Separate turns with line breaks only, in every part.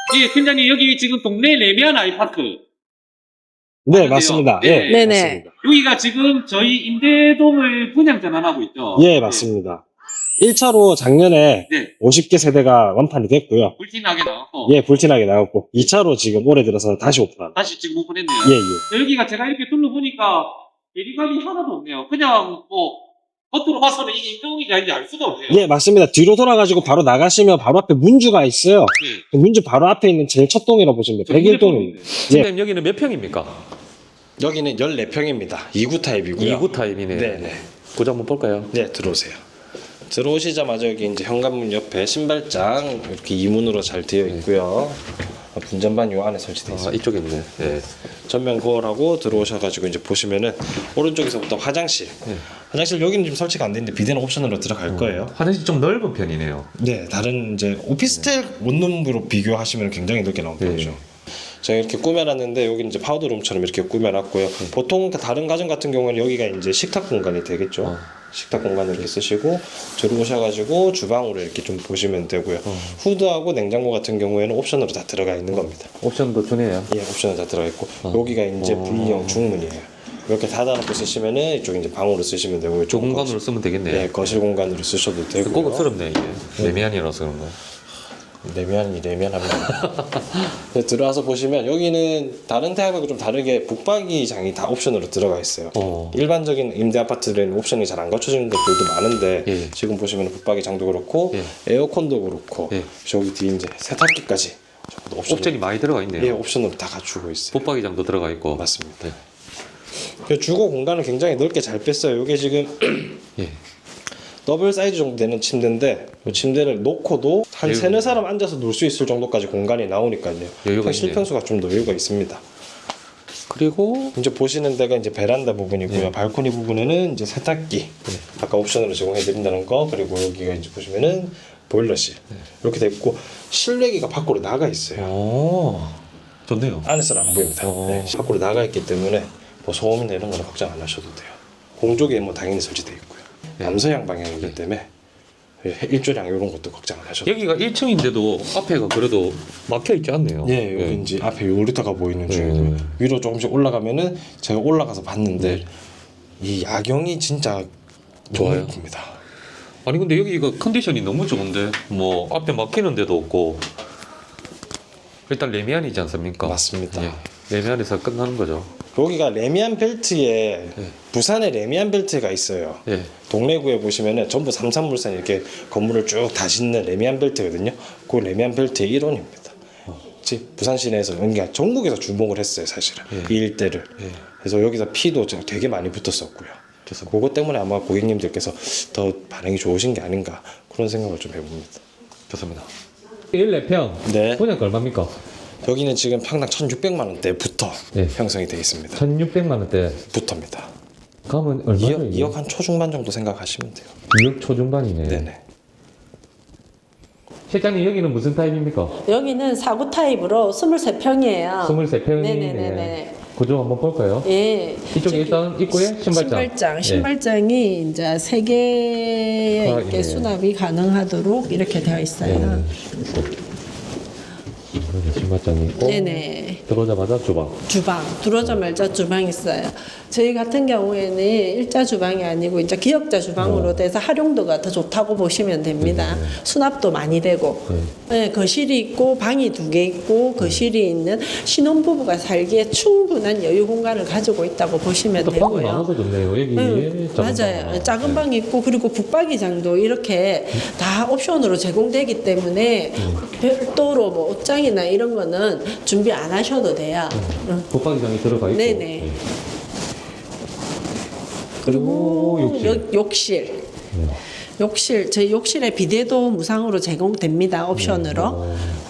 예, 팀장님 여기 지금 동네 레미안 아이파크.
네, 맞습니다.
네.
예,
네네.
맞습니다.
여기가 지금 저희 임대동을 분양 전환하고 있죠.
예, 맞습니다. 1차로 작년에
네.
50개 세대가 완판이 됐고요.
불티나게 나왔고.
예, 불티나게 나왔고 2차로 지금 올해 들어서 다시 오픈합니다.
다시 지금 오픈했네요.
예, 예.
여기가 제가 이렇게 둘러보니까 대리감이 하나도 없네요. 그냥 뭐 겉으로 봐서는 이게 임대동인지 아닌지 알 수가 없네요.
예, 맞습니다. 뒤로 돌아가지고 바로 나가시면 바로 앞에 문주가 있어요.
네.
그 문주 바로 앞에 있는 제일 첫 동이라고 보시면 돼요. 101동입니다. 예.
선생님 여기는 몇 평입니까?
여기는 14평입니다. 2구 타입이고요.
2구 타입이네.
네네.
고장 한번 볼까요?
네, 들어오세요. 들어오시자마자 여기 이제 현관문 옆에 신발장 이렇게 이문으로 잘 되어 있고요. 분전반 요 안에 설치되어 있습니다.
이쪽에 있네. 예.
전면 거울하고 들어오셔가지고 이제 보시면은 오른쪽에서부터 화장실. 화장실 여기는 지금 설치가 안 되는데 비대는 옵션으로 들어갈 거예요.
화장실 좀 넓은 편이네요.
네, 다른 이제 오피스텔 원룸으로 비교하시면 굉장히 넓게 나온 편이죠. 제가 이렇게 꾸며놨는데 여기는 이제 파우더룸처럼 이렇게 꾸며놨고요. 보통 다른 가정 같은 경우는 여기가 이제 식탁 공간이 되겠죠. 식탁 공간을 이렇게 쓰시고 들어오셔가지고 주방으로 이렇게 좀 보시면 되고요. 후드하고 냉장고 같은 경우에는 옵션으로 다 들어가 있는 겁니다.
옵션도 주네요.
예, 옵션은 다 들어가 있고 여기가 이제 V형 중문이에요. 이렇게 닫아놓고 쓰시면은 이쪽 이제 방으로 쓰시면 되고요.
저 공간으로 쓰면 되겠네요.
예, 거실 공간으로 쓰셔도 되고.
고급스럽네 이게. 레미안이라서 그런 거.
내면합니다. 들어와서 보시면 여기는 다른 타입하고 좀 다르게 북박이장이 다 옵션으로 들어가 있어요. 일반적인 임대 아파트들은 옵션이 잘 안 갖춰지는 것들도 많은데
예.
지금 보시면 북박이장도 그렇고
예.
에어컨도 그렇고
예.
저기 뒤에 이제 세탁기까지
옵션이 많이 들어가 있네요.
예, 옵션으로 다 갖추고 있어요.
붙박이장도 들어가 있고.
맞습니다. 그 주거 공간을 굉장히 넓게 잘 뺐어요. 이게 지금
예.
더블 사이즈 정도 되는 침대인데 이 침대를 놓고도 한
여유가
세네 사람 앉아서 놀 수 있을 정도까지 공간이 나오니까요.
여유가
실평수가 좀 더 여유가 있습니다.
그리고
이제 보시는 데가 이제 베란다 부분이고요. 발코니 부분에는 이제 세탁기 아까 옵션으로 제공해 드린다는 거, 그리고 여기가 이제 보시면은 보일러실 이렇게 돼 있고 실외기가 밖으로 나가 있어요.
오, 좋네요.
안에서는 안 보입니다. 네, 밖으로 나가 있기 때문에 뭐 소음이나 이런 거는 걱정 안 하셔도 돼요. 공조기에 뭐 당연히 설치돼 있고요. 남서양 방향이기 때문에 일조량 이런 것도 걱정 안 하셔도 돼요.
여기가 1층인데도 앞에가 그래도 막혀 있지 않네요.
예, 여기 이제 앞에 요리터가 보이는 중이고요. 위로 조금씩 올라가면은 제가 올라가서 봤는데 이 야경이 진짜 너무
좋아요.
예쁩니다.
아니 근데 여기가 컨디션이 너무 좋은데 뭐 앞에 막히는 데도 없고 일단 레미안이지 않습니까?
맞습니다.
예. 레미안에서 끝나는 거죠.
여기가 레미안 벨트에 부산에 레미안 벨트가 있어요.
예.
동래구에 보시면은 전부 삼산물산 이렇게 건물을 쭉 다 짓는 레미안 벨트거든요. 그 레미안 벨트의 일원입니다. 부산 시내에서 그러니까 전국에서 주목을 했어요, 사실은 이 일대를. 그래서 여기서 피도 되게 많이 붙었었고요. 그래서 그것 때문에 아마 고객님들께서 더 반응이 좋으신 게 아닌가 그런 생각을 좀 해봅니다.
좋습니다. 14평.
네.
분양가 얼마입니까?
여기는 지금 평당 1,600만 원대부터
네.
형성이 되어 있습니다.
1,600만 원대.
부터입니다.
가면 얼마예요?
2억 한 초중반 정도 생각하시면 돼요.
2억 초중반이네.
네네.
실장님 여기는 무슨 타입입니까?
여기는 4구 타입으로 23평이에요.
23평이네.
네네네네.
구조 한번 볼까요?
예.
이쪽에
저기
일단 입구에 신발장.
신발장이 이제 3개의
아,
이렇게
예.
수납이 가능하도록 이렇게 되어 있어요.
신발장이 있고.
네네.
들어오자마자 주방.
주방 들어오자마자 주방 있어요. 저희 같은 경우에는 일자 주방이 아니고 이제 기역자 주방으로 돼서 활용도가 더 좋다고 보시면 됩니다. 수납도 많이 되고, 네, 거실이 있고 방이 2개 있고 거실이 있는 신혼부부가 살기에 충분한 여유 공간을 가지고 있다고 보시면
또 방이
되고요.
많아서 좋네요. 여기 작은
맞아요.
방.
작은 방이 있고 그리고 북박이장도 이렇게 다 옵션으로 제공되기 때문에 별도로 뭐 옷장이나 이런 거는 준비 안 하셔도 돼요.
붙박이장이 들어가 있고.
네네. 그리고 욕실. 욕실, 저희 욕실에 비데도 무상으로 제공됩니다. 옵션으로.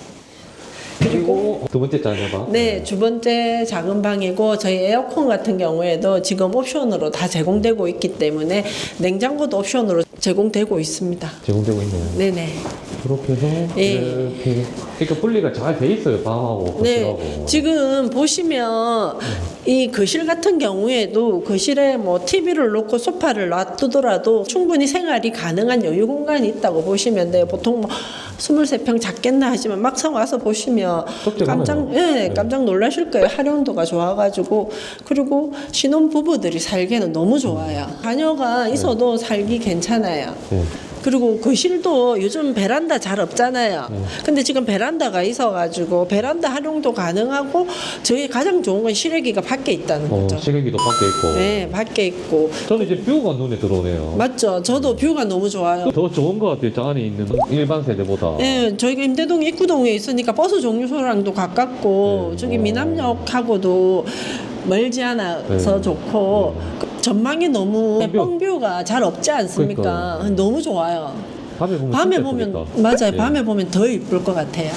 그리고 두 번째 작은 방.
네, 두 번째 작은 방이고 저희 에어컨 같은 경우에도 지금 옵션으로 다 제공되고 있기 때문에 냉장고도 옵션으로 제공되고 있습니다.
제공되고 있네요.
네네.
그렇게 해서
예.
이렇게 그러니까 분리가 잘 돼 있어요. 방하고
네,
거실하고.
지금 보시면 이 거실 같은 경우에도 거실에 뭐 TV를 놓고 소파를 놔두더라도 충분히 생활이 가능한 여유 공간이 있다고 보시면 돼요. 보통 뭐 23평 작겠나 하지만 막상 와서 보시면 깜짝 놀라실 거예요. 활용도가 좋아가지고. 그리고 신혼 부부들이 살기에는 너무 좋아요. 자녀가 있어도 살기 괜찮아요. 그리고 거실도 요즘 베란다 잘 없잖아요. 근데 지금 베란다가 있어가지고 베란다 활용도 가능하고 저희 가장 좋은 건 실외기가 밖에 있다는 거죠.
실외기도 밖에 있고.
네, 밖에 있고.
저는 이제 뷰가 눈에 들어오네요.
맞죠. 저도 뷰가 너무 좋아요.
더 좋은 것 같아요. 저 안에 있는 일반 세대보다.
네, 저희가 임대동 입구동에 있으니까 버스 정류소랑도 가깝고 저기 미남역하고도 멀지 않아서 좋고 전망이 너무 뻥뷰가 잘 없지 않습니까?
그러니까.
너무 좋아요.
밤에 보면
맞아요. 밤에 보면 더 이쁠 것 같아요.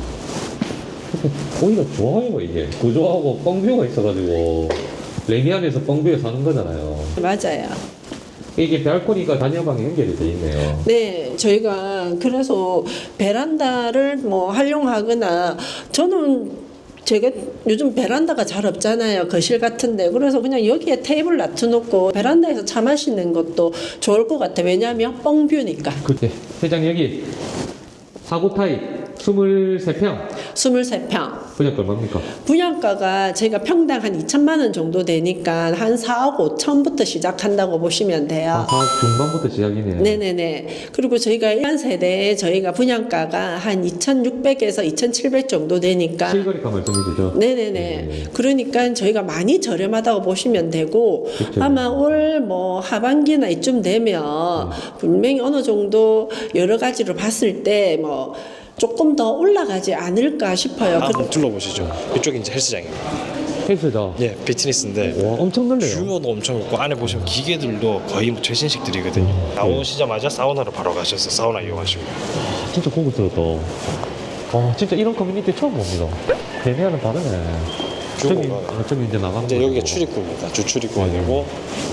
오히려 좋아요 이게 구조하고 뻥뷰가 있어가지고 레미안에서 뻥뷰에 사는 거잖아요.
맞아요.
이게 발코니가 단열방에 연결이 돼 있네요.
네, 저희가 그래서 베란다를 뭐 활용하거나 저는 제가 요즘 베란다가 잘 없잖아요. 거실 같은데. 그래서 그냥 여기에 테이블 놔두놓고 베란다에서 차 마시는 것도 좋을 것 같아요. 왜냐하면 뻥뷰니까.
그때 회장님 여기 4구 타입 23평
23평.
분양가 얼마입니까?
분양가가 저희가 평당 한 2천만 원 정도 되니까 한 4억 5천부터 시작한다고 보시면 돼요.
4억 중반부터 시작이네요.
네네네. 그리고 저희가 1년 세대에 저희가 분양가가 한 2,600에서 2,700 정도 되니까.
실거래가 말씀해 주죠.
네네네.
네.
그러니까 저희가 많이 저렴하다고 보시면 되고
그쵸.
아마 올 뭐 하반기나 이쯤 되면 분명히 어느 정도 여러 가지로 봤을 때 뭐 조금 더 올라가지 않을까 싶어요.
한번 둘러보시죠. 이쪽이 이제 헬스장입니다.
헬스장.
예, 피트니스인데
와 엄청 넓네요.
규모도 엄청 있고 안에 보시면 기계들도 거의 뭐 최신식들이거든요. 나오시자마자 사우나로 바로 가셔서 사우나 이용하시고.
진짜 고급스럽다. 와 진짜 이런 커뮤니티 처음 봅니다. 대면은 다르네.
규모가.
저기 이제 나가는
이제
거고.
여기가 출입구입니다. 주 출입구가 되고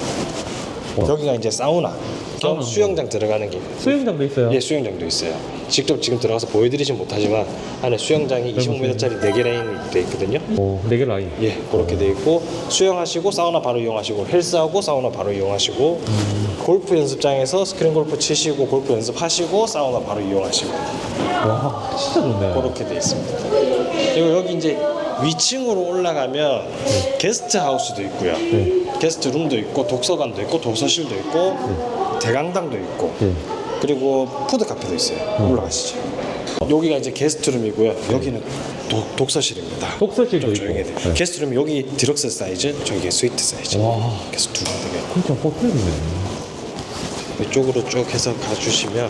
와.
여기가 이제 사우나 겸 수영장 들어가는 길.
수영장도 있어요.
예, 수영장도 있어요. 직접 지금 들어가서 보여드리진 못하지만 안에 수영장이 25m짜리 4개 라인이 돼 있거든요.
오, 4개 라인.
예, 그렇게 돼 있고 수영하시고 사우나 바로 이용하시고 헬스하고 사우나 바로 이용하시고 골프 연습장에서 스크린 골프 치시고 골프 연습하시고 사우나 바로 이용하시고
와 진짜 좋네.
그렇게 돼 있습니다. 그리고 여기 이제 위층으로 올라가면 게스트 하우스도 있고요. 게스트 룸도 있고 독서관도 있고 도서실도 있고 대강당도 있고 그리고 푸드 카페도 있어요. 올라가시죠. 여기가 이제 게스트룸이고요. 여기는 독서실입니다.
독서실도
좀
있고.
조용해야 돼요.
네.
게스트룸 여기 디럭스 사이즈, 저기 스위트 사이즈.
와.
그래서 두 군데가
진짜 호텔이네.
이쪽으로 쭉 해서 가주시면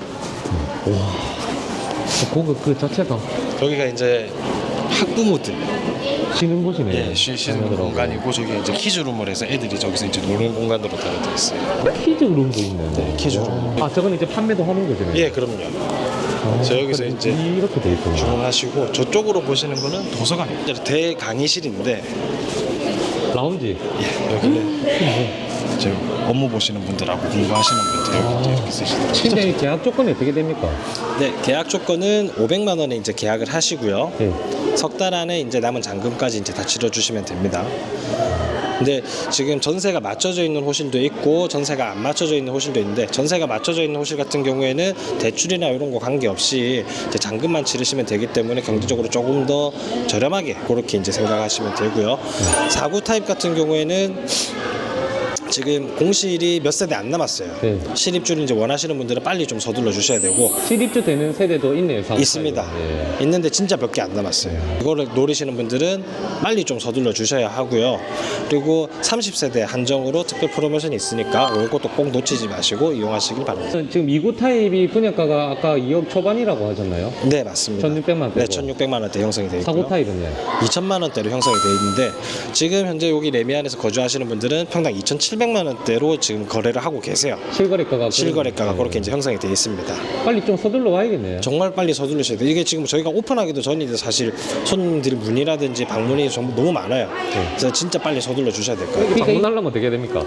고급 그 자체가
여기가 이제 학부모들
쉬는 곳이네.
예, 쉬시는
자녀들하고.
공간이고 저기 이제 키즈룸을 해서 애들이 저기서 이제 노는 공간으로 다 되어 있어요.
키즈룸도 있네.
네, 키즈룸.
아 저건 이제 판매도 하는 거죠?
예, 그럼요. 저 여기서
그래,
이제
이렇게 돼 있구나.
주문하시고 저쪽으로 보시는 거는 도서관입니다. 대강의실인데
라운지.
예, 여기는 저 업무 보시는 분들하고 공부하시는 분들 여기 이제 이렇게 쓰시더라고요.
근데 계약 조건이 어떻게 됩니까?
네, 계약 조건은 500만 원에 이제 계약을 하시고요.
예.
석 달 안에 이제 남은 잔금까지 이제 다 치러주시면 됩니다. 근데 지금 전세가 맞춰져 있는 호실도 있고 전세가 안 맞춰져 있는 호실도 있는데 전세가 맞춰져 있는 호실 같은 경우에는 대출이나 이런 거 관계없이 이제 잔금만 치르시면 되기 때문에 경제적으로 조금 더 저렴하게 그렇게 이제 생각하시면 되고요. 4구 타입 같은 경우에는 지금 공실이 몇 세대 안 남았어요.
네.
실입주를 이제 원하시는 분들은 빨리 좀 서둘러 주셔야 되고
실입주 되는 세대도 있네요. 사고
있습니다.
타입은. 예.
있는데 진짜 몇 개 안 남았어요. 이거를 노리시는 분들은 빨리 좀 서둘러 주셔야 하고요. 그리고 30세대 한정으로 특별 프로모션이 있으니까 이것도 꼭 놓치지 마시고 이용하시길 바랍니다.
지금 2구 타입이 분양가가 아까 2억 초반이라고 하셨나요?
네, 맞습니다.
1600만 원대.
네, 1600만 원대 형성이 되어 있고요.
4구 타입은요?
2000만 원대로 형성이 되어 있는데 지금 현재 여기 레미안에서 거주하시는 분들은 평당 2700만 원대로 지금 거래를 하고 계세요.
실거래가가
실거래가가
네.
그렇게 이제 형성이 되어 있습니다.
빨리 좀 서둘러 와야겠네요.
정말 빨리 서둘러셔야 돼요. 이게 지금 저희가 오픈하기도 전인데 사실 손님들이 문의라든지 방문이 전부 너무 많아요. 그래서 진짜 빨리 서둘러 주셔야 될 거예요.
방문하려면 어떻게 됩니까?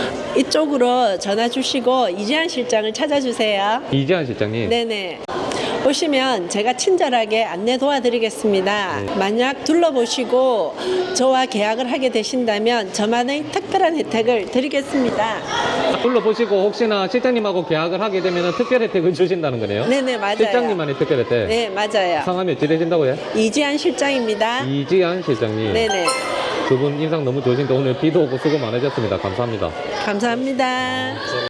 이쪽으로 전화 주시고 이재한 실장을 찾아주세요.
이재한 실장님.
네네. 오시면 제가 친절하게 안내 도와드리겠습니다. 만약 둘러보시고 저와 계약을 하게 되신다면 저만의 특별한 혜택을 드리겠습니다.
둘러보시고 혹시나 실장님하고 계약을 하게 되면 특별 혜택을 주신다는 거네요?
네네, 맞아요.
실장님만의 특별 혜택?
네, 맞아요.
성함이 어찌 되신다고요?
이지한 실장입니다.
이지한 실장님.
네네.
두 분 인상 너무 좋으신데 오늘 비도 오고 수고 많으셨습니다. 감사합니다.
감사합니다.